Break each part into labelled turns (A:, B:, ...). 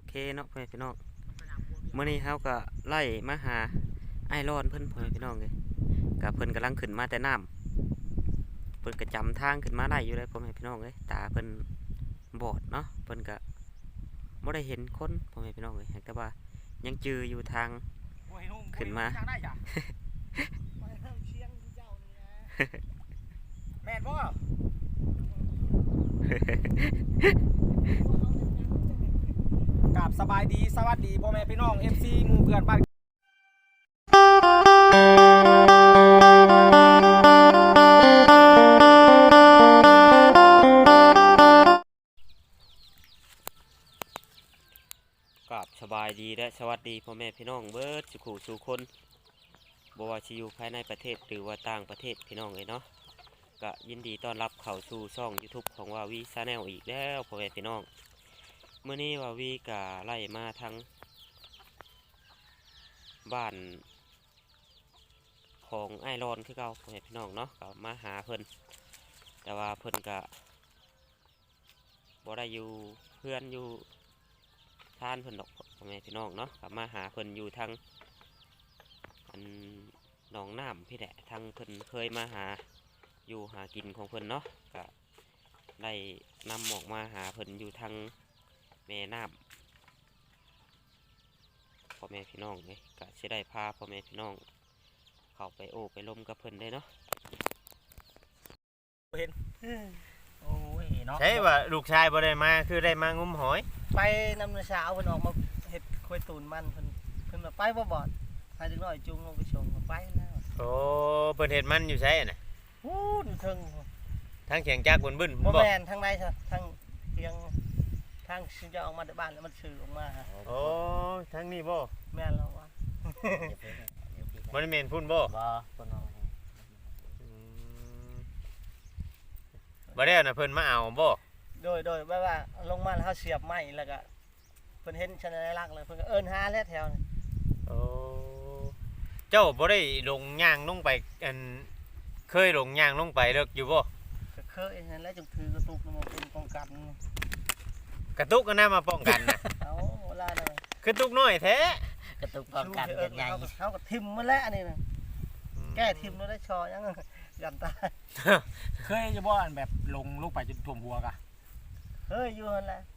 A: เคเนาะพ่อแม่พี่น้องมื้อนี้เฮาก็ไล่มาหาไอรอนเพิ่นพ่อแม่พี่น้องเลยกับเพิ่นกำลังขึ้นมาแต่น้ำเพิ่นก็จำทางขึ้นมาได้อยู่เลยพ่อแม่พี่น้องเลยตาเพิ่นบอดเนาะเพิ่นก็บ่ได้เห็นคนพ่อแม่พี่น้องเลยแต่ว่ายังจืออยู่ทางขึ้นมา
B: แม่นบ่กราบสบายดีสวัสดีพ่อแม่พี่น้อง FC หมู่เพื่อนบ้าน
A: กับสบายดีและสวัสดีพ่อแม่พี่น้องเบิดสุขุสู่คนบ่ว่าสิอยู่ภายในประเทศหรือว่าต่างประเทศพี่น้องเลยเนาะก็ยินดีต้อนรับเข้าสู่ช่อง YouTube ของวาวีชาแนลอีกแล้วพ่อแม่พี่น้องเมื่อนี้วาวีก็ไล่มาทั้งบ้านของไอรอนคือเก่าพ่อแม่พี่น้องเนาะก็มาหาเพิ่นแต่ว่าเพิ่นก็บ่ได้อยู่เพื่อนอยู่ท่านเพิ่นดอกพ่อแม่พี่น้องเนาะกลับมาหาเพิ่นอยู่ทางอันหนองน้ำพี่แหละทางเพิ่นเคยมาหาอยู่หากินของเพิ่นเนาะก็ได้นำออกมาหาเพิ่นอยู่ทางแม่น้ำพ่อแม่พี่น้องเลยก็จะได้พาพ่อแม่พี่น้องเข้าไปโอ้ไปล้มกับเพิ่นได้เนาะ
B: เห็นโอ้ยเนาะ
C: ใช่ว่าลูกชายบ่ได้มาคือได้มางุ้มหอย
D: ไปนำเช้าเพิ่นออกมาเฮ็ดควยตูนมันเพิ่นมาไปบ่บอดให้ถึงน้อยจุงลงไปชงก็ไปแล้ว
C: โอ้เพิ่นเฮ็ดมันอยู่ใช่น่ะ
D: ฮู้อยู่เทิง
C: ทางเสียงจักรบึ้นๆ
D: บ่
C: บ่
D: แม่นทางใดซะทางเทียงทางสิจะออกมาจากบ้านแล้วมันสื่อออกมาฮะ
C: โอ้ทางนี้บ่
D: แม่นแล้วว่า
C: บ่ได้แม่นพุ่นบ่
D: บ่เพิ่นเอา
C: อืมบ่ได้น่ะเพิ่นมาเอาบ่
D: โดยแบบว่าลงมาแล้วเฮาเสียบไม้แล้วก็เพิ่นเห็นชันลักษณ์เลยเพิ่นก็เอิ้นหาแล้วแถวนี้
C: โอ้เจ้าบ่ได้ลงย่างลงไปอันเคยลงย่างลงไปเลิกอยู่บ่
D: ก็เคยนั่นแหละจังถือกระตุกมาเป็นป้องกัน
C: กระตุกก็น่ามาป้องกันน่ะ
D: เอาเวลานั้น
C: คือตุกน้อยแท้
D: กระตุกป้องกันกันใหญ่เฮาก็ทิ่มมาแล้วอันนี้น่ะแก้ทิ่มแล้วได้ชอยังยันตาย
B: เคยจะบ่อันแบบลงลูกไปจนท่วมหัวกะ
D: เฮ้ยอยู่นั่นแหละ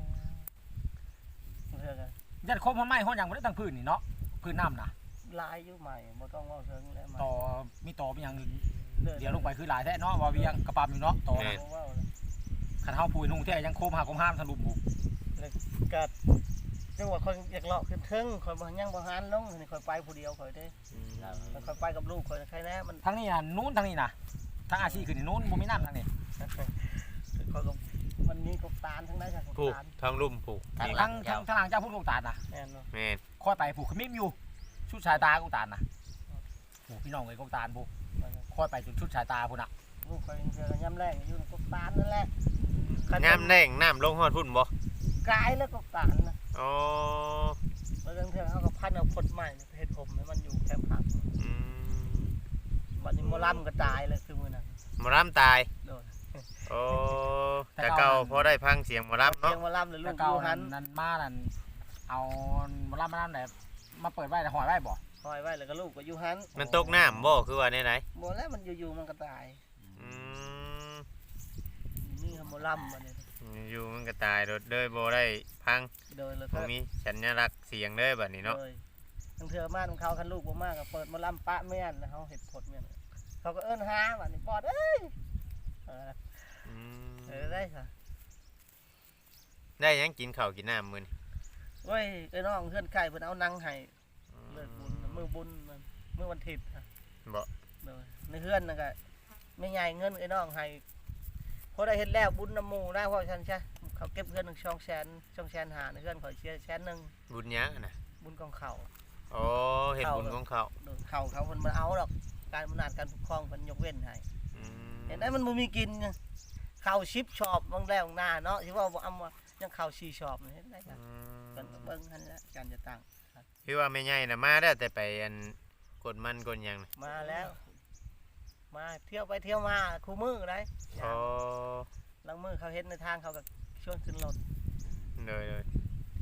D: เพื่อกัน
B: ยัดโคมพ่อไม้ห้องยังบ่ได้ตั้งพื้นนี่เนาะพื้นน้ำน่ะ
D: ลายอยู่ใหม่บ่ต้องว่าเชิงแล้วมา
B: ต่อมีต่อเป็นอย่างอื่นเดี๋ยวลงไปคือหลายแท้เนาะว่าเวียงกระปามอยู่เนาะต่อน่ะ
D: ว่า
B: คันเฮาพูยนุ่งแท้ยังโคมหาโคมห้ามทะลุบุก
D: ก็จังหวะคนอยากเลาะขึ้นเทิงคอยบ่ยังบ่หันลงนี่คอยไปผู้เดียวคอยเด้คอยไปกับลูกคอยใครแน่มัน
B: ทางนี้น่ะนู้นทางนี้น่ะทางอาชีพคือนี่นู้นบ่มีน้ำทางนี้
D: คอยกับมันมีกบตาลทั้งนั้นค่ะกบ
C: ผูก
D: ตาล
C: ทางลุ่มผูก
B: ทางหลังเจ้าพูดลูกตาลน่ะ
D: แม่นเนาะ
C: แม่น
B: ค่อยไปผูกขมิ้มอยู่ชุดสายตากูตาลน่ะโอ้พี่น้องเอ้ยกูตาลบุค่อยไปจนชุดสายตาพุ่นน่ะ
D: ลูกคอยเจอย่ำแรงอยู่กบตาลนั่นแหละ
C: น้ำแรงน้ำลงฮอดพุ่นบ่
D: กายแล้วกบตาลนะ
C: อ๋อ
D: แล้วเรื่องเทื่อเฮาก็พันเอาคนใหม่เฮ็ดผมให้มันอยู่แคมป์พัก
C: อืม
D: บัดนี้มอลำก็ตายเลยคือมื้อนั้น
C: หมอลำตาย
D: โดน
C: โอ้แต่เก่าพอได้พังเสียงหมอลำ
D: เสี
C: เนาะ
D: ยงมอลำเลยลู
B: แต่
D: กอ
B: เก่า
D: ยู่หั
B: นั้น นมานั่นเอามาล่ำมาล่ำไหนมาเปิดไว้แต่หอยไว้บ่
D: คอยไว้แล้วก็ลูกก็อยู่หัน
C: มันตกน้ำบ่คือว่าไหน
D: บ่แล้วมันอยู่ๆมันก็ตาย
C: ๆอืม
D: นี่ครับหมอลำอันนี้
C: อยู่มันก็ตายโดดเลยบ่ได้พัง
D: โดยแล้ว
C: บ่
D: ก็
C: มีสัญลักษณ์เสียงเลยบัดนี้เนาะ
D: โดยทั้งเทือมาของเขาคันลูกบ่มากก็เปิดหมอลำปะแม่นแล้วเขาเห็ดผลแม่นเขาก็เอิ้นหาบัดนี้ปอดเอ้ยเออ
C: อืม
D: ได้ค่ะ
C: ได้หยังกินข้าวกินน้ำมื้อนี้
D: เว้ยไอ้น้องเพื่อนไข่เพิ่นเอานังให้เลิกบุญมื้อบุญมันมื้อวันอาทิตย์ค่ะ
C: บ่
D: โดยในเฮือนนั่นก็ไม่ใหญ่เงินไอ้น้องให้พอได้เฮ็ดแล้วบุญน้ำหมู่ได้เพราะฉันใช่เขาเก็บเงิน1 200,000หาในเฮือนข่อยเสีย100,000
C: บุญหยังอะนะ
D: บุญกองเขา
C: โอ้เฮ็ดบุญของเขา
D: โดนเขาเพิ่นบ่เอาดอกการอำนาจการปกครองเพิ่นยกเว้นให้
C: อืม
D: เห็นได้มันบ่มีกินไงข้าว10ชอบบางแล้วบางหน้าเนาะสิว่าบ่อำว่ายังข้าว4ชอบนี่เห็นได้จ้ะ
C: อืม
D: เพิ่นเบิ่งหั่นแหละการจะตั้ง
C: พี่ว่าแม่ใหญ่น่ะมาแล้วแต่ไปอันกดมันกดหยังน่ะ
D: มาแล้ว มาเที่ยวไปเที่ยวมาคู่มือได้
C: อ๋อ
D: ลังมือเขาเห็นในทางเขาก็ชวนขึ้นรถ
C: เลย
D: ไป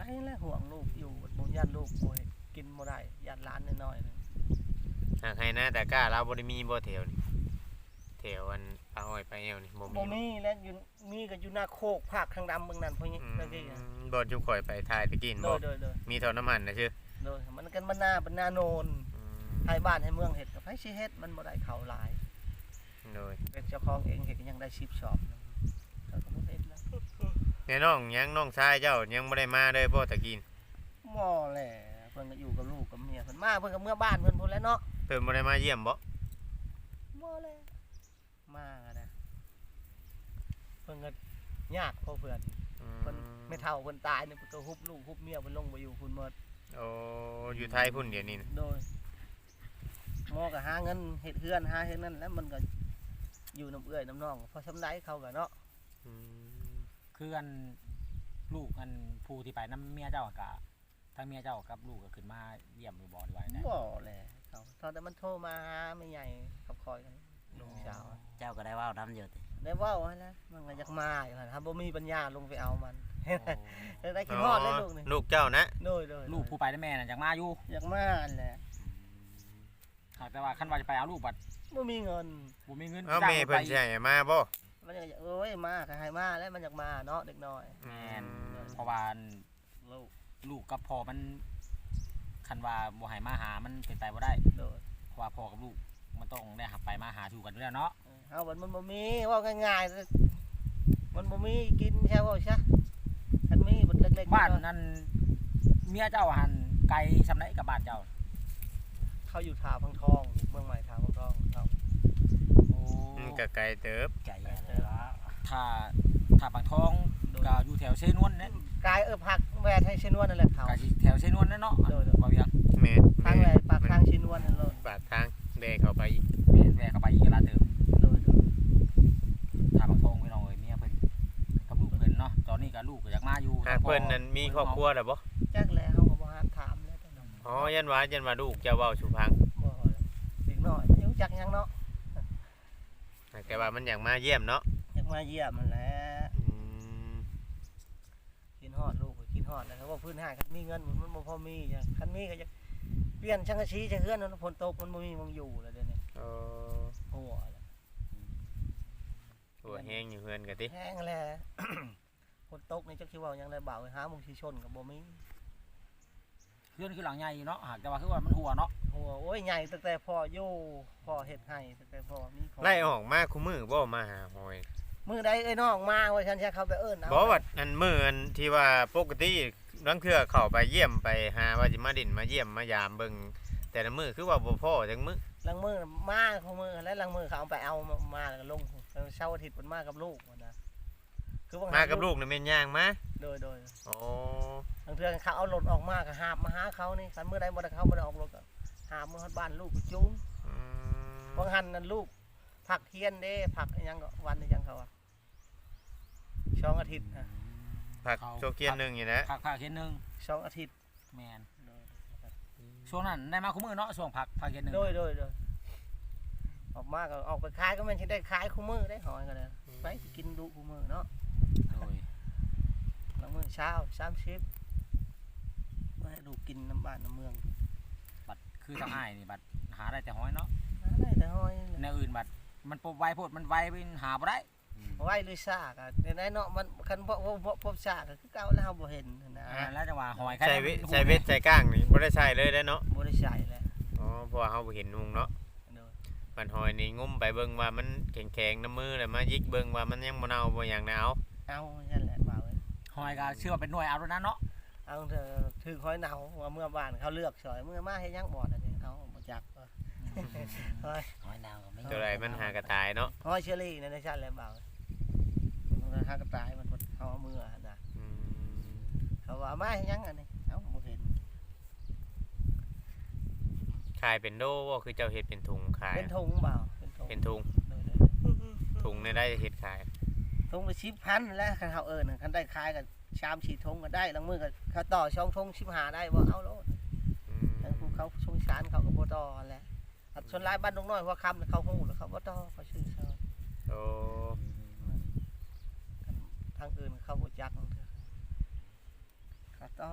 D: แล้วห่วงลูกอยู่บ่ย่านลูกบ่ให้กินบ่ได้ย่านหลานน้อยๆนึง
C: หากให้หน้าแต่กล้าเราบ่ได้มีบ่แถวนี่แถวอันปลาอ้อยไปแอวนี่บ่
D: บ่
C: มี
D: มีแล้วอยู่มีก็อยู่หน้าโคกภาคทางดำเมืองนั้นพวกนี้นั่นเอง
C: บ่จุ่มข่อยไปถ่ายตะกี้
D: โด
C: บ่
D: ยโดยโดย
C: มีเท่าน้ำมันนะชื่อ
D: โดยมันกันบ้านนาเป็นนาโนนให้บ้านให้เมืองเฮ็ดกับไผสิเฮ็ดมันบ่ได้เข้าหลาย
C: โดย
D: เป็นเจ้าของเองเฮ็ดก็ยังได้10ชอบก็บ่เฮ็ดแล้ว
C: แน่น้องยังน้องชายเจ้ายังบ่ได้มาเลยบ่ตะกี้
D: บ่แหละเพิ่นก็อยู่กับลูกกับเมียเพิ่นมาเพิ่นก็เมื่อบ้านเพิ่นพุ่นแหล้วเนาะ
C: เพิ่นบ่ได้มาเยี่ยมบ่
D: บ่แหละมาก็ได้เพิ่นก็ยากพอเพิ่นเพิ่นไม่เฒ่าเพิ่นตายนี่เพิ่นก็ฮุบลูกฮุบเมียเพิ่นลงบ่อยู่พุ่นหมด
C: โอ้อยู่ไทยพุ่นเดี๋ยวนี้นะ
D: โดยหมอก็หาเงินเฮ็ดเฮือนหาเฮ็ดนั่นแล้วมันก็อยู่น้ำเอื้อยน้ำน้องพอสำไดเขาก็เนาะ
C: อืม
B: คืออันลูกอันผู้ที่ไปน้ำเมียเจ้าก็ทั้งเมียเจ้ากับลูกก็ขึ้นมาเยี่ยมอยู่บ่ดีว่าได้
D: บ่แหละเขาตอนแต่มันโทรมาหาแม่ใหญ่กับคอยกันลุงสาว
A: เจ้าก็ได้เว้านํอยู่ติ
D: ได้เว้าให้แล้วมันก็อยากมาอยู่หั่นถ้าบ่มีปัญญาลงไปเอามัน ได้กินฮอดเลยลูกนี่
C: ลูกเจ้านะ
D: โดย
B: ลูกผู้ไปได้แม่น่ะอยากมาอยู่
D: อยากมาอันแหละ
B: หากแต่ว่าคันว่าจะไปเอาลูกบัด
D: บ่มีเงิน
B: บ่มีเงิน
C: เอาแม่เพิ่นสิให้มาบ่
D: มันอยากเอ้ยมาก็ให้มาแล้วมันอยากมาเนาะเด็กน้อย
B: แม่นเพราะว่าลูกกับพ่อมันคันว่าบ่ให้มาหามันเป็นไปบ่ได้
D: โดย
B: เพราะว่าพ่อกับลูกมันต้องได้หับไปมาหาสู่กันอยู่แล้วเนาะ
D: เฮามันบ่มีเว้าง่ายๆมันบ่มีกินใช่บ่ซะคันมีมันเล็กๆ
B: บ้าน
D: น้อย
B: นั้นเมียเจ้าหันไกลซำไหนกับบ้านเจ้า
D: ๆเขาอยู่ท่าพังทองเมืองใหม่ท่าพังทองเขา
B: โอ้
C: ก็ไกลเติบ
A: ใจเลยว่า
B: ถ้าปากท้องก็อยู่แถวเชนวนนั่น
D: กายผักแวดให้ชนวนนั่นแหละเขา
B: ก็สิแถวเชนวนนั่นเนาะ
D: โดย
B: บ่เวียง
C: แม่น
D: ทางแวดปากทางชนวนนั่นเลย
C: ปากทางแดกเข้าไปอีก
B: แม่นแวะเข้าไปอีกกะลาเติม
D: โดย
B: ถ้าปากท้องพี่น้องเอ้ยเมียเพิ่นกับลูกเพิ่นเนาะตอนนี้ก็ลูกก็อยากมาอยู่
C: หากเพิ่นนั้นมีครอบครัวแล้วบ่
D: จักแล้วเขาก็บ่หาถามแล้วตอนนั้น
C: อ๋อยันว่าลูกเจ้าเว้าสุพัง
D: บ่เด็กน้อยยังจักยังเนาะ
C: แต่ว่ามันอยากมาเยี่ยมเนาะ
D: อยากมาเยี่ยมมันแหละ
C: อืม
D: กินฮอดลูกก็กินฮอดแล้วเขาว่าพื้นห้างคันมีเงินมันบ่พอมีจ้ะคันมีก็จะเปลี่ยนช่างกะชีจะเฮือนนั้นฝนตกมันบ่มีมึงอยู่แล้วเดี๋ยวนี้
C: โอ้
D: หัวแล้ว
C: หัวแห้งอยู่เฮือนก็ติ
D: แห้งแล้ว ฝนตกนี่จักสิเว้าหยังได้บ่าวหาหมองสิชนก็บ่มี
B: เพื่อนคือหลังใหญ่เนาะหากแต่ว่าคือว่ามันหัวเนาะ
D: หัวโอ้ยใหญ่ตั้งแต่พ่ออยู่พ่อเฮ็ดให้ตั้งแต่พ่อมีของ
C: ไล่ออกมาคู่มือบ่มาหาหอย
D: มื้อใดเอ้ยน้องมาว่าฉันจะเข้าไปเอิ้นเอา
C: บ่ว่าอันมื้ออันที่ว่าปกติลังเทื่อเข้าไปเยี่ยมไปหาว่าสิมาดินมาเยี่ยมมายามเบิ่งแต่ละมื้อคือว่าบ่พอจังมื้อ
D: ลังมือมาของมือแล้วลังมือเขาเอาไปเอามาแล้วก็ลงเช้าอาทิตย์มันมากับลูกมันนะคือว่า
C: มากับลูกนี่แม่นย่างมา
D: โดย
C: อ๋อ
D: บางเทื่อเขาเอารถออกมาก็หาบมาหาเขานี่คันมื้อใดบ่ได้เขาบ่ได้ออกรถก็หาบมาฮอดบ้านลูกก็จูง
C: อืม
D: บางหันนั่นลูกผักเทียนเด้ผักอิหยังก็วันอิหยังเขาอะช่องอาทิตย์นะ
C: ผักโชเกียนหนึงอยู่นะ
B: ผักเข็นหนึง
D: ช่องอาทิตย์
B: แม่นช่วงนั้นได้มาคุมื้อเนาะช่วงผักเข็นหนึง
D: โดยออกมาก็ออกไปขายก็แม่นสิได้ขายคู่มือได้หอยก็ได้ไปสิกินดุคู่มือเนาะ
B: โดย
D: ลังมือเช้า30ไว้ให้ลูกกินน้ำบ้านน้ำเมือง
B: บัดคือทางอ้ายนี่บัดหาได้แต่ห้อยเนาะ
D: ได้แต่หอย
B: แนวอื่นบัดมันปบไวโพดมันไวไปหาบ่ได้
D: ไว้หรือซากอะในนั้นเนาะมันคันพบซากก็คือเก่าแล้วเราบ่เห็นนะ
B: แล้วจังหวะหอย
C: ใส่เวทใส่ก้างนี่บ่ได้ใส่เลยได้เนาะ
D: บ่ได้ใช้แล้ว
C: อ๋อเพราะว่าเฮาบ่เห็นนุงเนาะ
D: โดย
C: มันหอยนี่งุ้มไปเบิ่งว่ามันแข็งๆน้ำมือแล้วมายิกเบิ่งว่ามันยังบ่เน่าบ่หยังแนว
D: เอานั่นแหละบ่าวเอ้ย
B: หอยก็เชื่อว่าเป็นหน่วยเอาแล้วนะเนาะ
D: เอาเถอะถือหอยเนาว่าเมื่อบ้านเขาเลือกสอยเมื่อมาเฮ็ดหยังบ่อันนี้เอาบ่จักว่าหอย
A: หอยดาวก็ไม่
C: ตัวใดมันหากระตายเนาะ
D: หอยเชอรี่นั่นซั่นแหละบ่าวมันหากระต่ายมันเอามือน่ะ
C: อืม
D: เขาว่ามาเฮ็ดหยังอันนี้เอ้าบ่เห็น
C: ขายเป็นโดบ่คือเจ้าเฮ็ดเป็นถุงขาย
D: เป็นถุงบ่าวเป็นถุง
C: เป็นถุง
D: โดย
C: ถุงนี่ได้เฮ็ดขาย
D: ถุงละ10,000แล้วคันเขาคันได้ขายก็3-4ถุงก็ได้ลังมือก็เขาต่อ2ถุง15ได้บ่เอาโลด
C: อืม
D: ทางภูเขาชงชานเขาก็บ่ต่อแหละอัดชนลายบ้านดงน้อยหัวค่ำเขาฮู้แล้วเขาบ่ต่อเขาชื่อซอย
C: โอ้
D: ทางอื่นเขาบ่จักเขาต่อ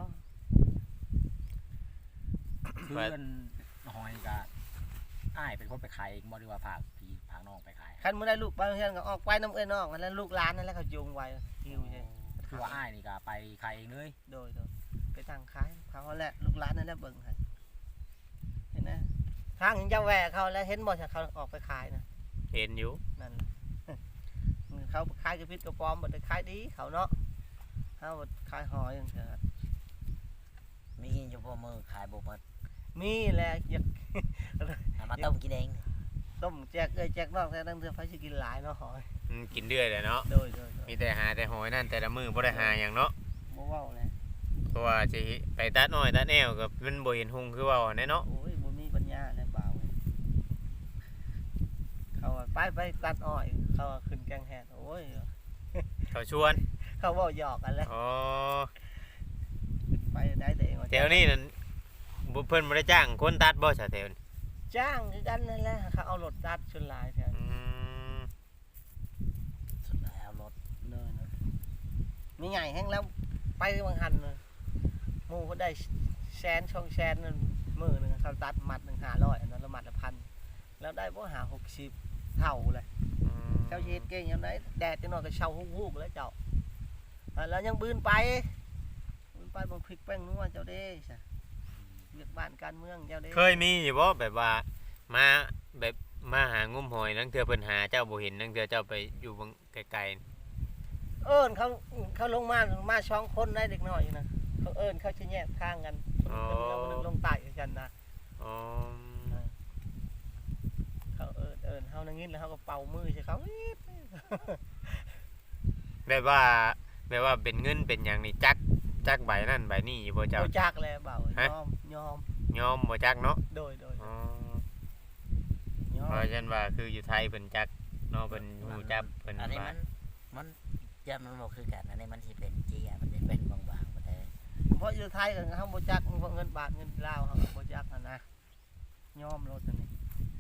B: คือเอิ้นหอยก็อ้ายเป็นคนไปขายเองบ่หรือว่าฝากพี่ฝากน้องไปขาย
D: คันมื้อได้ลูกไปเฮือนก็ออกไปน้ำเอ้ยน้องนั่นแหละลูกหลานนั่นแหละเขาจูงไว้หิวใช่
B: คือว่าอ้ายนี่ก็ไปขายเองเลย
D: โดยไปตั้งขายเขาแหละลูกหลานนั่นแหละเบิ่งให้เห็นนะทางเจ้าแหวกเขาแล้วเห็นบ่เขาออกไปขายนะ
C: เห็นอยู่
D: นั่นแหละ เขาขายกระพิษกระปอมบ่ได้ขายดีเขาเนาะเฮาบ่ขายหอยจังซี่
E: มีอยู่บ่มือขายบ่หมด
D: มีแหละอยาก
E: เอามาต้มกินเอง
D: ต้มแจกแจกนอกแต่ตั้งเทื่อไผสิกินหลายเนาะหอย
C: กินเรื่อยเลยเนาะ
D: โดย
C: มีแต่หาแต่หอยนั่นแต่ละมื้อบ่ได้หาหยังเนาะ
D: บ่เว้าเลย
C: เพราะว่าสิไปตัดอ้อยตัดแนวก็มันบ่เห็นหุงคือเว้าแน่เนาะ
D: โอ้ยบ่มีปัญญาแล้วเปล่าเว้ยเขาว่าไปตัดอ้อยเขาว่าขึ้นแกงแฮดโอ้ย
C: เขาชวน
D: เขาเว้าหยอกกันแล้ว
C: อ๋อ
D: ขึ้นไปได้แต่เองว่า
C: แถวนี้นั่นบ่เพิ่นบ่ได้จ้างคนตัดบ่ซะแถวนี้
D: จ้างคือกันนั่นแหละเขาเอารถตัดชนหลายแถว
C: อืม
E: สุดแล้วรถ
D: เลยนะมีใหญ่แห้งแล้วไปบางหันเลยหมู่เขาได้แสนช่องแสนนั่นมื้อหนึงเขาตัดมัดหนึง500อันนั้นละมัดละพันแล้วได้บ่หา60เท่าเลย
C: อืม
D: เจ้าเฮ็ดเก่งยามใดแดดจังน้อยก็เช่าฮู้ๆแล้วเจ้าแล้วยังบืนไปบางพริกแป้งนัวเจ้าเด้ซะเรียกบ้านการเมืองเจ้าเด้
C: เคยมีอยู่บ่แบบว่ามาแบบมาหางุมหอยนั่งเทื่อเพิ่นหาเจ้าบ่เห็นนั่งเทื่อเจ้าไปอยู่บางไกลๆ
D: เอิ้นเขาลงมา2คนได้เด็กน้อยอยู่นะเขาเอิ้นเขาสิแยกทางกัน
C: อ๋อ
D: คนหนึงลงใต้กันนะ
C: อ๋อ
D: เขาเอิ้นเฮานั่งยินแล้วเฮาก็เป่ามือใส่เขาอี๊ด
C: แบบว่าเป็นเงินเป็นหยังนี่จักใบนั่นใบนี่อยู่บ่เจ้า
D: บ่จักแล้วเบา
C: ฮะ
D: ยอม
C: ยอมบ่จักเนาะ
D: โดย
C: อ๋อย
D: อ
C: เพ
D: ม
C: ราะฉะนั้นว่าคืออยู่ไทยเพิ่นจักเนาะเพิ่นฮู้จักเพิ่น
E: อันนี้
C: ว่า
E: มันจะมันบ่คือกันอันนี้มันสิเป็นเจียมันสิเป็นบางๆบ่ได้
D: เพราะอยู่ไทยก็เฮาบ่จักเพราะเงินบาทเงินลาวเฮาก็บ่จักหั่นนะยอมรถอันนี้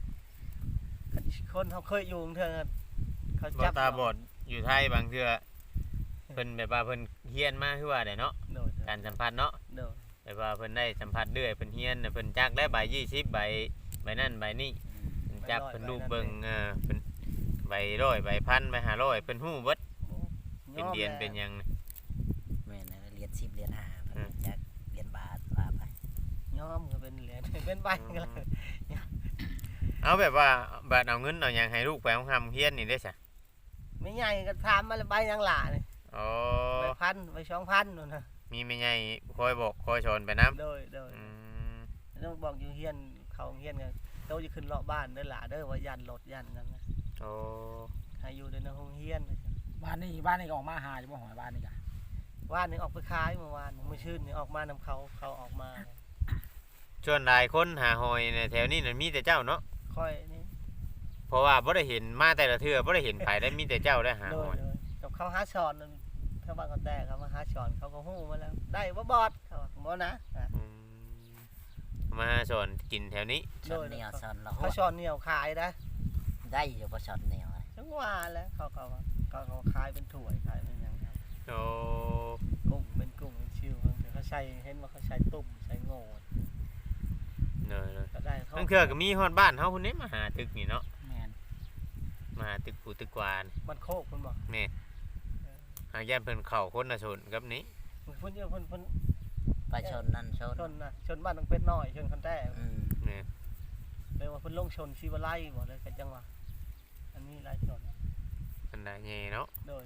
D: คนเขาเคยอยู่เทื่อเขา
C: บ่
D: จับ
C: ตาบอดอยู่ไทยบางเทื่อเพิ่นแบบว่าเพิ่นเฮียนมาคือว่าได้เนาะ
D: โดย
C: การสัมผัสเนาะ
D: โดย
C: แบบว่าเพิ่นได้สัมผัสเรื่อยเพิ่นเฮียนน่ะเพิ่นจักได้ใบ20ใบนั่นใบนี้เพิ่นจับเพิ่นรูปเบิ่งเพิ่นใบ100ใบพันใบ500เพิ่นฮู้เบิดเป็นเดือนเป็นหยัง
E: แม่นนะเหรียญ10เหรียญ5เพิ่นจักเหรียญบาทว่าไป
D: ยอมก็เป็นเหรียญ เป็นใบก็แล้ว
C: เอาแบบว่าบัดเอาเงินเอาหยังให้ลูกไปเอาเฮียนนี่ได้ซะ
D: ไม่ใหญ่ก็ถามมาแล้วใบยังหล่านี่
C: อ๋อ
D: ใบพันใบ2,000นู่นน่ะ
C: มีแม่ใหญ่คอยบอกคอยสอนไปนํ
D: โดยต้องบอกอยู่เฮียนเขาเฮียนกันโตจะขึ้นเลาะบ้านเด้อหล่าเด้อว่ายันรถยันนั่นนะ
C: โอ้
D: ให้อยู่ในโรงเฮียน
B: บ้านนี่ก็ออกมาหาอยู่บ่หอยบ้านนี่ก็
D: ว่านนี่ออกไปขายเมื่อวานมื้อชื่นนี่ออกมานำเขาออกมา
C: ส่วนหลายคนหาหอยในแถวนี้น่ะมีแต่เจ้าเนาะ
D: ค่อยนี่
C: เพราะว่าบ่ได้เห็นมาแต่ละเทื่อบ่ได้เห็นไผได้มีแต่เจ้าได้หา
D: โด
C: ห
D: ย
C: อย
D: กับเขาหาช้อนนั่นเขาบ้านเขาแต่เขามาหาช้อนเขาก็ฮู้มาแล้ว ได้บ่บอดเขาว่าบ่นะ
C: อืมมาสอนกินแถวนี้
E: ช้อนเหนียวช้อนละหั
D: เขา
E: ว
D: ช้อนเหนียวขายนะ
E: ได้อยู่บ่ช้อนเหนียวอะ
D: จังว่าแล้วเขาขายเป็นถ้วยขายเป็นหยังครับ
C: โอ้
D: กุ้งเป็นกุ้งเป็นชิวแต่เขาใช้เห็นว่าเขาใช้ตุ่มใช้โง่
C: เนย
D: ก็ได้เขา
C: ทั้งเทื่อก็มีฮอดบ้านเฮาพุ่นนี้มาหาตึกนี่เนาะ
B: แม่น
C: มาหาตึกผู้ตึกกวาน
D: มันโคกเพิ่นบอก
C: หากย่านเพิ่นเข้าคนละชนกับนี้
D: เพิ่นเยอะเพิ่น
E: ไปชนนั่นชน
D: ชนนะชนบ้านต้องเป็นน้อยชนคันแต้
E: อืม
C: นี่
D: เลยว่าเพิ่นลงชนชีวไลบ่เลยก็จังว่าอันนี้หลายชน
C: อันใดแย่เนาะ
D: โดย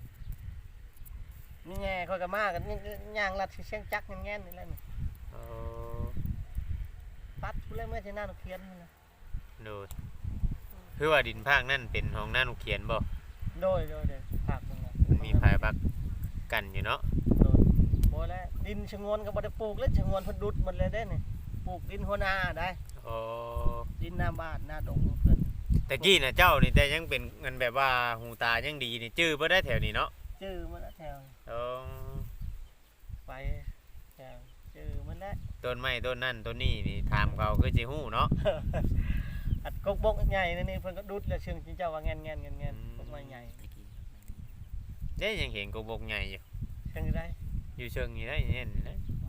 D: นี่แง่ค่อยก็มากันนี่ย่างลัดสิเสียงจักแง่นๆนี่แหละนี่
C: โอ้
D: ปัดผู้เล่นเมื่อที่หน้าหนูเขียนนี่นะ
C: โดดคือว่าดินภาคนั่นเป็นห้องหน้าหนูเขียนบ่
D: โดยภาคนึงนะ
C: มันมีภายบักกันอยู่เนาะ
D: โดยบ่แล้วดินชะงวนก็บ่ได้ปลูกแล้วชะงวนเพิ่นดุดหมดเลยเด้นี่ปลูกดินหัวนาได้
C: โอ้
D: ดินหน้าบ้านหน้าดงเพิ่น
C: แต่กี้น่ะเจ้านี่แต่ยังเป็นเงินแบบว่าหูตายังดีนี่จื้อบ่ได้แถวนี้เนาะ
D: ชื่อมันละแถว
C: โอ้
D: ไปแถวชื่อมันละ
C: ต้นไม้ต้นนั่นต้นนี้นี่ถามเขาคือสิฮู้เนาะ
D: อัดกกบกใหญ่นี่เพิ่นก็ดุดแล้วเชิงจิงเจ้าว่าแง่นกกไม้ใหญ่
E: ตะกี้
C: เด้ยังเห็นกบกใหญ่อยู่
D: เชิงได้
C: อยู่เชิงนี่ได้เห็นนะ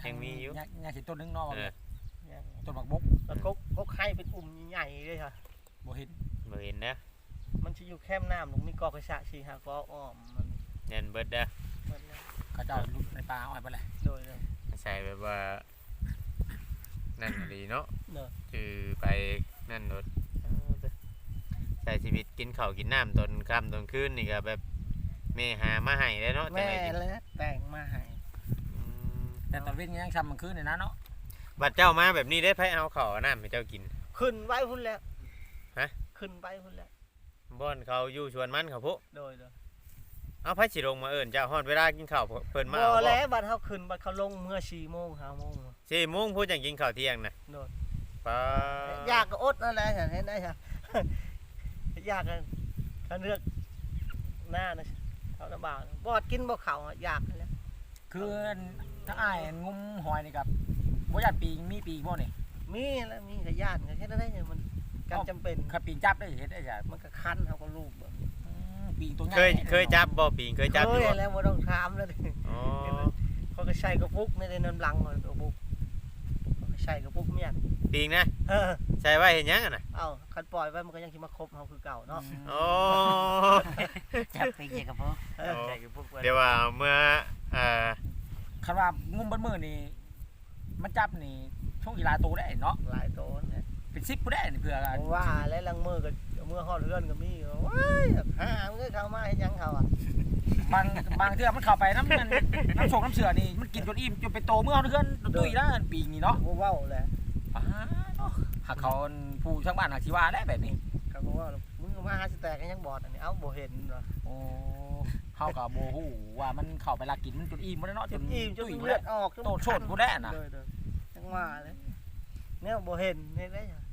C: ยังมีอยู่
B: ยังสิต้นนึงเนาะ
C: เออ
B: ต้นบักบก
D: แล้วก็ไข่เป็นอุ่มใหญ่ๆเลยค่ะ
B: บ่เห็น
C: บ่เห็นนะ
D: มันจะอยู่แคมน้ำลงมีกอกระชะชีหากออ้อมมัน
C: ยันเบิดเด้อ
D: มันเลย
B: เขาเจ้าลุกในป่าอ้อยไปเลย
D: โดยเลย
C: ใส่แบบว่านั่นดีเนาะ
D: เนอะ
C: คือไปนั่นรถใช้ชีวิตกินข้าวกินน้ำตอนค่ำตอนคืนนี่ก็แบบแม่หามาให้ได้เนาะจัง
D: แม่
C: ได๋กิน
D: และแต่งมาให้
C: อืม
B: แต่ตอนเว้นยังช้ำมันคืนนี่นะเนาะ
C: บัดเจ้ามาแบบนี้ได้ไผเอาข้าวเอาน้ำให้เจ้ากิน
D: ขึ้นไว้พุ่นแล้ว
C: ฮะ
D: ขึ้นไปพุ่นแล้ว
C: บ่อนเขาอยู่ชวนมันเขาพุ
D: โดยเลย
C: เอาไผสิลงมาเอิ้นเจ้าฮอดเวลากินข้าวเพิ่นมา
D: บ่
C: เอาบ่
D: แล้วบัดเขาขึ้นบัดเขาลงเมื่อ4 โมง5 โมง
C: 4โมงพูดจังกินข้าวเที่ยงน่ะ
D: โดย
C: ป้า
D: อยากก็อดนั่นแหละเห็นได้ค่ะ อยากก็เลือกหน้านะเขาลำบากบอดกินบ่เขาอะอยากนั่นแหละ
B: คือถ้าอ้ายงุ้มหอยนี่กับบ่ญาติปีมีปีบ่นี่
D: มีแล้วมีก็ญาติก็แค่นั้นได้เนี่ยมันการจำเป็น
B: คันปีจับได้เฮ็ดได้จ้ะ
D: มันก็คันเขาก็ลูกแบบ
B: ปีตัวใหญ่
C: เคยจับบ่ปิงเคยจับอยู่บ่
D: แล้วบ่ต้องถามแล้วดิ
C: อ๋อ
D: เขาก็ใส่กระปุกในน้ำลังเลยกระปุกเขาก็ใส่กระปุกเมียน
C: ปิงนะ
D: เออ
C: ใส่ไว้เห็นยังอะน่ะ
D: เอ้าคันปล่อยไว้มันก็ยังสิมาคบเฮาคือเก่าเนาะ
C: โอ้
E: จับไปเกี่ยวกับพวก
D: เออ
C: โอ้
D: ใส่กระปุกไว้
C: เดี๋ยวว่าเมื่ออ่า
B: คันว่างุ้มเบิดมื้อนี่มันจับนี่ช่วงกีฬาโตได้เนาะ
D: หลายโตนะ
B: เป็น10ผู้ได้นี่เพื่อกัน
D: ผมว่าแล้วลังมือก็มือฮอดเรือนก็มีว้ายหามันก็เข้ามาเฮ็ดหยังเขาอ่ะ
B: บางเทื่อมันเข้าไปน้ำน้ำส่งน้ำเสือนี่มันกินจนอิ่มจนไปโตเมื่อเอาเพื่อนตุ้ยแล้วปีนี้เนาะ
D: บ่เว้าแหละ
B: หากเขาผู้ช่างบ้านหากชีว่าได้แบบนี้
D: เขาก็ว่ามึงก็มาหาสิแตกกันยังบอดอันนี้เอ้าบ่เห็นเหรอ
B: โอ้เฮากับโบฮู้ว่ามันเข้าไปลักกินมันจนอิ่มบ่ได้เนาะ
D: จนอิ่มจน
B: ตุ้ยบ่
D: เลือ
B: ได้
D: ดออกจน
B: โตโชดบ่ได้น่ะ
D: เลยจังว่าเลยแนวบ่เห็นเฮ็ดได้หยัง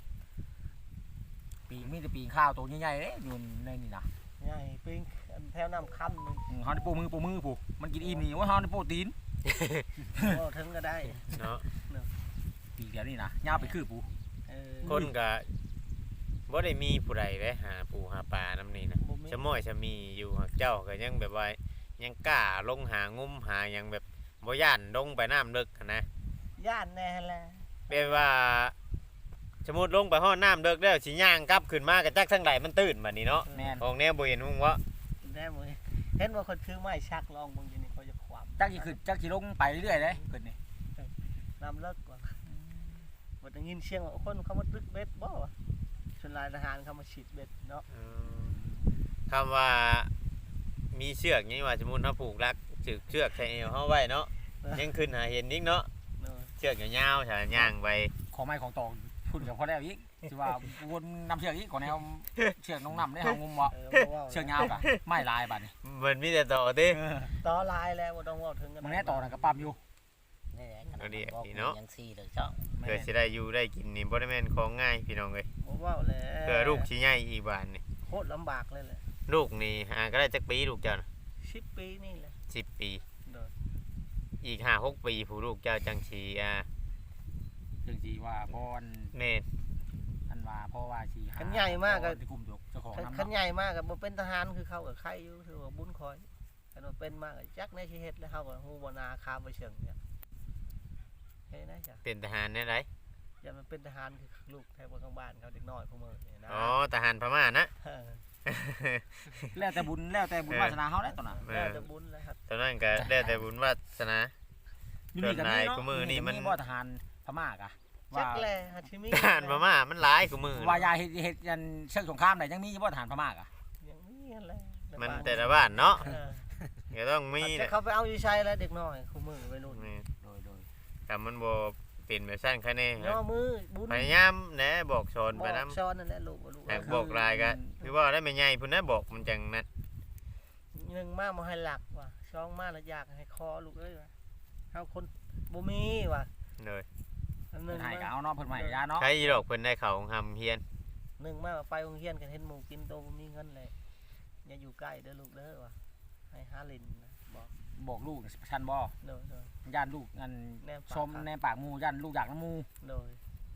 B: ปีมีแต่ปีข้าวตัวใหญ่ๆเด้อยู่ในนี่นะ
D: ใหญ่ปิ้งอันแถวน้ำค่ำนึง
B: เฮาได้โปมือผู้มันกินอิ่มนี่ว่าเฮาได้โปรตีน
D: บ่ถึงก็ได้
C: เนาะ
B: ปีเดียวนี่นะยาวไปคือผู้
D: เออ
C: คนก็บ่ได้มีผู้ใดได้หาปูหาปลานํนี่นะ
D: บ่มี
C: ชะม้อยชะมีอยู่หักเจ้าก็ยังแบบว่ายังกล้าลงหางุ้มหาหยังแบบบ่ย่านลงไปน้ำลึกหั้นนะ
D: ย่านแน่แหละ
C: แบบว่าสมมุติลงไปห้อน้ำลึกแล้วสิย่างกลับขึ้นมาก็จักทางใดมันตื่นบัดนี้เนาะ
B: แม่น
C: ของแนวบ่เห็นหุ่งวะ
D: ได้บ่เห็นว่าคนถือไม้ชักลองเบิ่งอยู่นี่เขาจะขวาม
B: จักสิขึ้นจักสิลงไปเรื่อยๆเด้เพิ่นนี่
D: น้ำเลิกกว่าบ่ได้ยินเสียงว่าคนเขามาตึกเบ็ดบ่วะส่วนหลายทหารเขามาฉีดเบ็ดเนาะ
C: คำว่ามีเชือกนี่ว่าสมมุติเฮาผูกรักจึกเชือกใส่เอวเฮาไว้เนาะยังขึ้นหาเห็นอีกเนาะ
D: เออ
C: เชือกยาวๆถ้าย่างไป
B: ของไม้ของตองพุ่นกับพอแล้วอีกสิว่าวนนำเชือกอีกก่อนแนวเชือกน้องนำได้เฮางุมบ่
D: บ่ว้า
B: เชือกยาวกะไม้ลายบัดนี้
C: มันมีแต่ต่อติ
D: ต่อลายแล้วบ่ต้องเว้าถึงกัน
B: มันแน่ต่อน่ะก็ปั๊มอยู่
E: นี่แหละขนาด
C: เอาดิ
E: บอก
C: พี่เนาะ
E: ยังซี่เลยจ้อง
C: เพื่อสิได้อยู่ได้กินนี่บ่ได้แม่นของง่ายพี่น้องเอ้ย
D: บ่เว้าแล้ว
C: เพื่อลูกสิใหญ่อีกบานนี่
D: โคตรลำบากเลยแหละ
C: ลูกนี่หาก็ได้จักปีลูกเจ้าน่ะ
D: 10 ปีนี่แหละ
C: 10 ปี
D: โดย
C: อีก5-6 ปีผู้ลูกเจ้าจังสิ
B: จังสิว่าพร
C: แม่น
B: อันว่าเพราะว่าสิหา
D: คันใหญ่มากก็
B: ที่กลุ่มยกเจ้าของ
D: คัน
B: นำ
D: ใหญ่มากก็บ่เป็นทหารคือเขาก็ใครอยู่ถือว่าบุญคอยคันว่าเป็นมากก็จักในสิเฮ็ดแล้วเฮาก็ฮู้บ่นาคาบ่เชิงเนี่ยเฮ้ยนะจ้ะ
C: เป็นทหารแน่ได
D: อย่ามันเป็นทหารคือลูกแถวข้างบ้านเขาเด็กน้อยพวกมึงนี่นะ
C: อ๋อทหารพม่านะ
D: เออ
B: แล้วแต่บุญวาสนาเฮาได้ตอนน่ะ
D: แล้วจะบุญแล้วครับ
C: ตอนนั้นก็ได้แต่บุญวาสนา
B: อยู่นี่ก็มีเนาะ
C: ส่วนนายกูมือนี่มัน
B: บ่ทหารพม่ากะ
D: จั
B: ว่าก
D: แลฮัชิมิ
C: ทหารพม่ามันหลายกว่ามือ
B: ว่ายาเฮ็ดยันเชิงสงครามได้ยังมีบ่ทหารพม่ากะ
D: อย่างนี้แหละ
C: มันแต่ละบ้านเนาะ
D: เออ
C: ก็ต้องมี
D: แต่
C: แหละ
D: เขาไปเอาอยู่ใช้แล้วเด็กน้อยคู่มือไปรุ่น
C: นี่
B: โดย
C: ถ้ามันบ่เป็นแบบสั้นแค่นี้
D: ย่อมือบุญ
C: พยายามแหนะบอกสอน
D: บ
C: ไป
D: อก
C: นำ
D: ซ้อนนั่นแหละลูกว่าลูก
C: หากบอกลายก็คือว่าได้ไม่ใหญ่พุ่นนะบอกมันจังนั้น
D: หนึ่งมาบ่ให้หลักว่ะสองมาแล้วอยากให้คอลูกเอ้ยว่ะเฮาคนบ่มีว่ะ
C: เลย
D: อันห
B: เพิ่
D: นึ่
B: น
D: ง
B: ให้ก็
D: มา
B: เอาเนาะเพิ่นใหม่ยาเนาะ
C: ใครอีดอกเพิ่นได้เข้าของหำเฮียน
D: หนึ่งมาไปโรงเรียนกันเห็นหมู่กินโตบ่มีเงินเลยอย่าอยู่ใกล้เด้อลูกเด้อว่ะให้หาลินนะบอก
B: บอกลูกชันบ่
D: โดย
B: ย่านลูกอัน
D: แนม
B: ชมแนมปากหมู่ย่านลูกอยากน้ำหมู่
D: โดย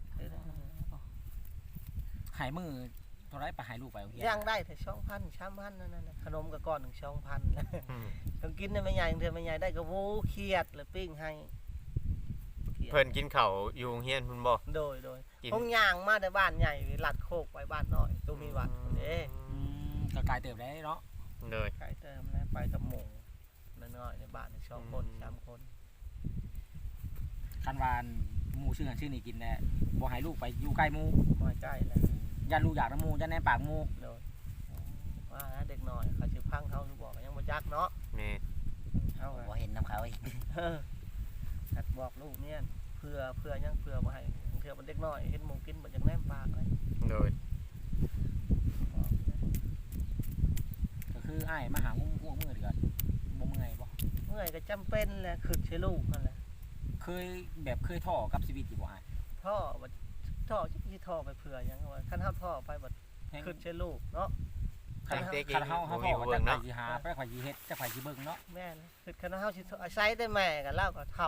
B: ใหายมือเท่าไรไปใหายลูกไปโรงเรียน
D: ย่างได้แต่2,000 3,000นั่นน่ะขนมก็ก้อนหนึง2,000
C: อืม
D: ต้องกินได้ไม่ใหญ่เทื่อไม่ใหญ่ได้ก็โว้เครียดแล้วปิ้งให้
C: เพิ่นกินข้าวอยู่โรงเรียนพุ่นบ่
D: โดย
C: กิน
D: ห้องย่างมาแต่บ้านใหญ่ลัดโคกไปบ้านน้อยตัวมีวัดเด้
B: ก็กลายเติบได้เนาะ
C: เลย
D: ไก่เติมแล้วไปกับหมู่น้อยๆในบ้าน2คน3คน
B: คันวานหมู่ชื่อนี่กินแน่บ่ให้ลูกไปอยู่ใกล้หมู่
D: มาใกล้แล้ว
B: ยันลูกอยากน้ำหมู่ยันแน่ปากหมู่
D: โดยว่าเด็กน้อยเขาสิพังเขาหรือบอกยังบ่จักเนาะ
C: แม่
D: เฮา
E: บ่เห็นน้ำเขาอีก
D: หัดบอกลูกเนี่ยเพื่อยังเพื่อบ่ให้เพื่อมันเด็กน้อยเห็นหมูกินบ่จักแนมปากเลย
C: เลย
D: บอกนะ
B: ก็คืออ้ายมาหางูพวกมือเดือดบ่เมื่อยบ่
D: เมื่อยก็จำเป็นแหละขึ้นใช้ลูกนั่นแหละ
B: เคยท่อกับชีวิตอยู่บ่อ้าย
D: ท่อบ่ท่อจักสิท่อไปเพื่อหยังว่าคันเฮาท่อไปบ่
B: แฮง
D: ขึ้นใช้ลูกเนาะ
B: คันเฮาท่อก็จักไผสิหาไปไผสิเฮ็ดจักไผสิเบิ่งเนาะ
D: แม่นขึ้นคันเฮาสิอาศัยได้แม่ก็เล่าก็เฒ่า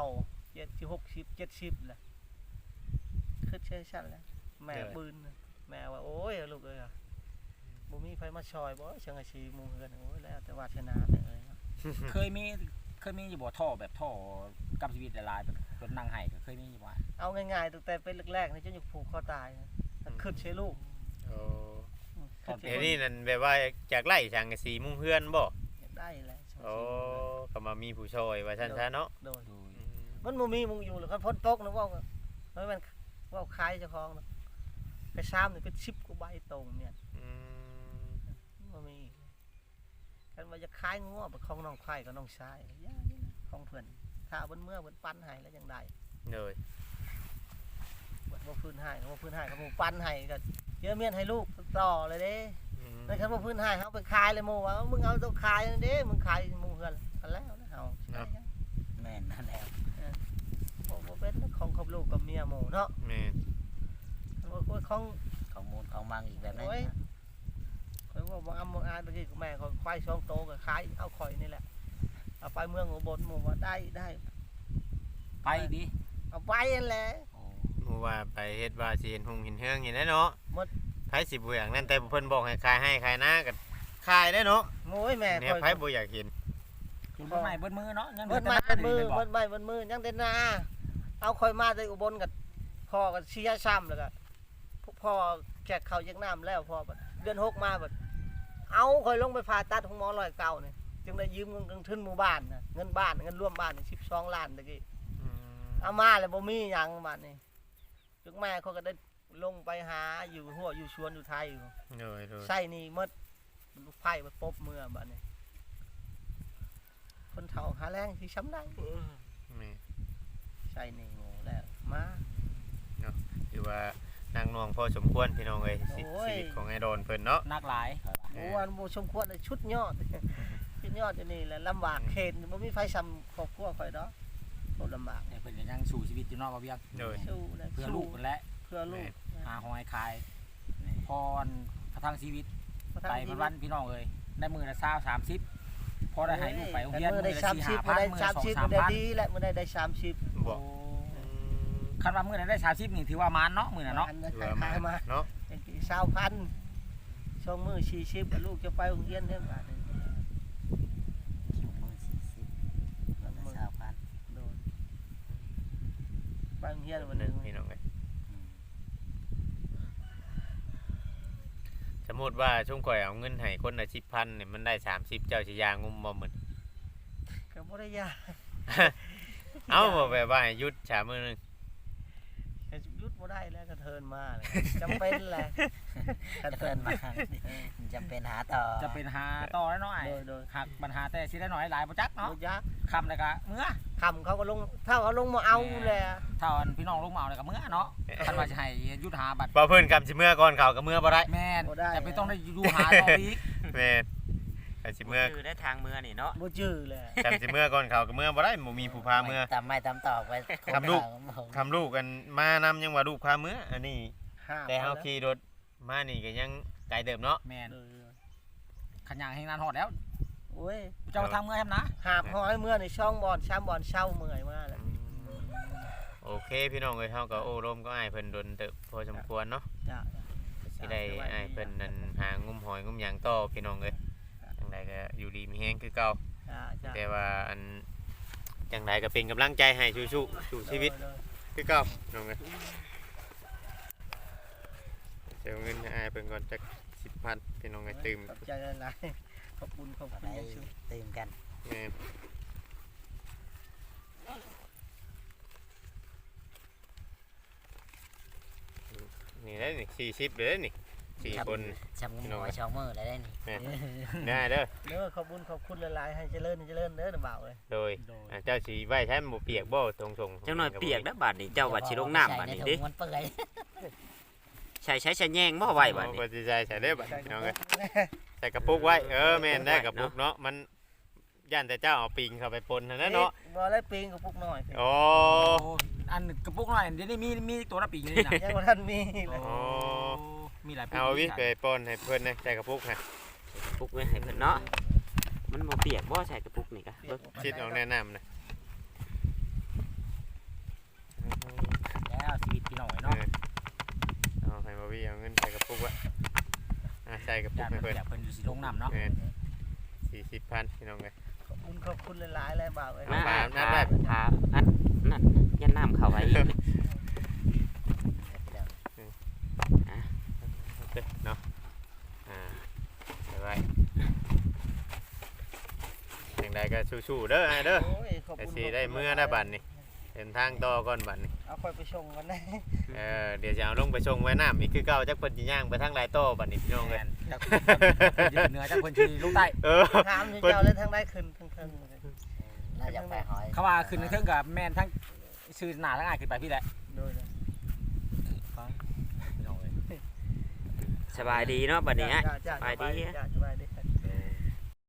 D: 70 60 70แหละขึ้นใช้ชั้นแหละแม่ปืนแม่ว่าโอ้ยลูกเอ้ยบ่มีไผมาช่วยบ่จังได๋สิหมู่เฮือนโอ้ยแล้วแต่วาสนาเอ้ย
B: เคยมีอยู่บ่ท่อแบบท่อกับชีวิตหลายๆแบบรถนั่งไห้ก็เคยมีอยู่บ่
D: เอาง่ายๆตั้งแต่เป็นแรกๆนี่จะอยู่ผูกคอตายนะถ้าขึ้นใช้ลูก
C: โอ้
D: ขึ้นใช้
C: เดี๋ยว
D: ลู
C: นี้
D: ก
C: นั่นแบบว่าจากไล่สังกะสีมุงเฮือนบ่
D: ได้แหละ
C: โอ้ก็มามีผู้ช่วยว่าซั่นซะเนาะ
D: โดน
B: โดย
D: มันบ่มีมึงอยู่หรือคันพ้นตกนะว่าเฮ้ยมันว่าคายเจ้าของนะไปซ้ำนี่เป็น10กว่าใบตรงเนี่ย
C: อืม
D: บ่มีคันว่าจะคายงัวไปของน้องไผ่กับน้องชายย่านี่นะของเพิ่นถ้าเบิ่นเมื่อเบิ่นปั้นให้แล้วจังได๋
C: เลย
D: บ่พื้นให้ก็บ่พื้นให้ก็บ่ปั้นให้ก็เยอะเมียนให้ลูกต่อเลยเด้
C: อืม
D: ในคันบ่พื้นให้เฮาไปขายเลยหมู่ว่ามึงเอาต้องขายนั่นเด้มึงขายหมู่เฮือนกันแล้วนะเฮา
E: แม่นนั่นแหละ
D: บ่เป็นของครอบลูกกับเมียหมู่เนาะ
C: แม่น
D: ว่าของ
E: ของมูลของมังอีกแบบนั้น
D: โอ้ย
E: นะ
D: ข่อยว่าบ่อำบ่อายตะกี้แม่ข่อยควาย2โตก็ขายเอาข่อยนี่แหละเอาไปเมืองอุบลหมู่ว่าได้
B: ไปดิ
D: เอาไปนั่นแหละ
B: โอ้
C: หมู่ว่าไปเฮ็ดว่าสิเห็นหงเห็นเฮืองนี่แหละเนาะ
D: หมด
C: ไผสิบ่อยากนั่นแต่เพิ่นบอกให้ขายให้ขายหน้าก็ขายได้เนาะ
D: โอ้ยแม่
C: เนี่ย
D: ข่อย
C: ไผบ่อยากเห็น
B: กินเบิดไม้เบิดมือเนาะยัง
D: เบิดไม้เบิดมือเบิดไม้เบิดมือยังแต่นาเอาข่อยมาแต่อุบลก็พ่อก็เสียซ้ำแล้วก็พ่อแจกข้าวแจกน้ำแล้วพ่อบัดเดือน6มาบัดเอาข่อยลงไปผ่าตัดของหมอร้อยเก่านี่จึงได้ยืมเงินทุนหมู่บ้านน่ะเงินบ้านเงินร่วมบ้านนี่12ล้านตะกี้
C: อืม
D: เอามาแล้วบ่มีหยังบัดนี้จุกแม่เขาก็ได้ลงไปหาอยู่หัวอยู่ชวนอยู่ไทยอยู่
C: เลยเลย
D: ใส่นี่หมดลูกไผ่มาปบเมื่อบัดนี้คนเฒ่าหาแรงที่ช้ำได้
C: แม่
D: ใส่นี่โง่แล้วมา
C: ถือว่านางนวงพอสมควรพี่น้องเอ้ยชีวิตของไอ้โดนเพิ่นเนาะ
B: นักหลาย
D: โอ้วันบ่สมควรเลยชุดยอด ชุดยอดอยู่นี่แหละลำบากเข็นบ่มีไฟซ้ำครอบครัวข่อยดอกบ่ลำบาก
B: แต่เพิ่นก็ยังสู้ชีวิตอยู่เนอกบ่เวียง
C: เลย
D: สู้นะ
B: เพื่อลูกเพิ่นแหละ
D: เพื่อลูก
B: หาหอยขายพรประทังชีวิต
D: ประทั
B: ไป
D: งชีวิต
B: วันๆพี่น้องเอ้ยได้มื้อละ20 30พอได้ให้ลูกไปโรงเรียน
D: มื้อได้
B: มื้อละ
D: 30มื้อได้
B: 4-5,000
D: 30
B: มื้
D: มื้
B: อ
D: อ
B: ละ
D: ได้ดีและมื้อได้30
C: บอก
B: คันว่ามื้อนั้นได้30นี่ถือว่ามานเนาะมื้อน่ะเนาะ
C: ถือว่ามา
D: มา
C: เนาะ
D: 20,000ช่วงมื้อ40กับลูกจะไปโรงเรียนเด้อบาดนี้
E: ชั่วโมง40แล้วก็20,000
D: โดนไปโรงเรียนวันหนึง
C: พี่น้องเอ้ย
E: อืม
C: สมมุติว่าช่วงข่อยเอาเงินให้คนละ10,000เนี่ยมันได้30เจ้าสิยางุมบ่หมึน
D: ก็บ่ได้ยาก
C: เอาบ่แบบว่าให้หยุดฉามื้อนึง
D: ก็หยุดบ่ได้แล้วก็เทินมาเลยจำเป็นแหละ
E: ถ้าเพิ่นมาจำเป็นหาต่อ
B: จะเป็นหาต่อแล้วเนาะไอ้
D: โดย
B: หักปัญหาแต่สิได้น้อยหลายบ่จัก
D: ๆ
B: เนาะ
D: บ่ยาก
B: คำแล้วก็เมื่อ
D: คำเขาก็ลงถ้าเขาลงมาเอาแหละ
B: ถ้าอันพี่น้องลงมาเอาแล้วก็เมื่อเนาะคันว่าจะให้หยุดหาบัตร
C: บ่เพิ่นกำสิเมื่อก่อนเขาก็เมื่อบ่ได้
B: แม่นจะไปต้องได้ดูหาต่ออีก
C: แม่นกำสิเมื่อ
A: คือได้ทางเมือนี่เนาะ
D: บ่จื้อแหละ
C: กำสิเมื่อก่อนเขาก็เมื่อบ่ได้บ่มีผู้พาเมื่อ
E: ตามไม้ตามตอกไป
C: ทำลูก ทำลูกกันมานำยังว่าลูกพาเมื่ออันนี้
D: ห้า
C: แต่เฮาขี่รถมานี่ก็ยังไกลเดิมเนาะ
B: แม่น
D: เออ
B: ขันยางแห่งนานหอดแล้ว
D: โอ้ย
B: เจ้าทางเมื่อแฮมนะ
D: หาบห้อยเมื่อในช่องบอลช้ำบอลเช่าเมื่อยมาแล้ว
C: โอเคพี่น้องเอ้ยเฮาก็โอ้ร่มก็อ้ายเพิ่นดนเติบพอสมควรเนาะ
D: จ้ะ
C: สิได้อ้ายเพิ่นนั่นหางุมหอยงุมหยังต่อพี่น้องเอ้ยจังไดก็อยู่ดีมีแฮงคือเก่า
D: จ้ะ
C: แต่ว่าอันจังไดก็เป็นกำลังใจให้สู้ๆสู่ชีวิตคือเก่าน้องเอ้ยเดี๋ยวเงินให้อ้ายเพิ่นก่อนจัก10,000พี่น้องเอ้ยตื่ม
D: ขอบใจหลายๆขอบคุณขอบ
E: ก็
D: คุณ
E: ได้
D: อย่างสูง
E: ตื่มกัน
C: แม่นนี่ได้นี่40เด้อนี่4คน
E: ชำงมหัวชองมือได้นี่
C: แม่นได้เด้อ
D: เด้อขอบคุณขอบคุณหลายๆให้เจริญเด้อนะบ่าวเอ้ย
C: โดยเจ้าสิไว้ใช้มันบ่เปียกบ่ตรงๆ
A: จังหน่อยเปียกแล้วบาดนี้เจ้าว่าสิลงน้ำบาดนี้
E: ใส่
A: เด้
E: ในถุงมันเปื่อย
A: ใช้แยงบ่ไว้บาดนี้
C: บ่สิใส่เด้อบัดพี่น้องเอ้ยใส่กระปุกไว้แม่นได้กระปุกเนาะมันย่านแต่เจ้าเอาปิงเข้าไปปนนั่นนะเนาะ
D: บ่ได้ปิงกับพวกน้อย
C: โอ้
B: อันกระปุกน้อยเดี๋ยวนี้มีตัวละปีอยู่นี่นะ
D: ยังบ่ทันมีเลย
C: โอ้
B: มีหลาย
C: เอาวิไปปนให้เพิ่นนะใส่กระปุกให้
A: ปุกไว้ให้เพิ่นเนาะมันบ่เปียกบ่ใส่กระปุกนี่กะเบิ่ง
C: คิดออกแนะนำนะ
B: แล้วชีวิตพี่น้อย
C: เอ
B: เนาะ
C: อเอาให้บ่วิเอาเงินใส่กระปุกไว้ใส่กระปุ
B: จาก ก
C: ให้เพิ่น
B: เพิ่นอยู่สิลงน้ำเนาะ
C: แม่น40,000พี่น้องเอ้ย
D: ขอบคุณหลายๆเลยบ่าวเอ้ย
C: มา
A: มา
C: น้ำได้
A: พาอันนั่นยันน้ำเข้าไว้อีก
C: เนาะไปไว้อย่างใดก็สู้ๆเด้อไอ้เด้อ
D: โอ้ยขอบ
C: ไอ้
D: คุณ
C: สิได้เมื่อได้บัดนี่เดินทางต่อก่อนบัดนี่
D: เอาค่อยไปชงกันนะ
C: เดี๋ยวจะเอาลงไปส่งไว้น้ำอีกคือเก่าจักเพิ่นสิย่างไปทางหลายโต้บัดนี้พี่น้องเอ้ย
B: จากเหนือจากคนที่ลงใต้
D: ถามเจ้าเลยทางได้ขึ้นทางเทิงเลย
E: น่าจะไปหอย
B: เขาว่าขึ้นเครื่องกับแม่นทั้งชื่อหน้าทั้งอ้ายขึ้นไปพี่แหละ
D: โดย
B: พี่น้องเอ้ย
A: สบายดีเนาะบัดนี้ฮะ
D: จ้า
A: สบายดี
D: จ้าสบายดี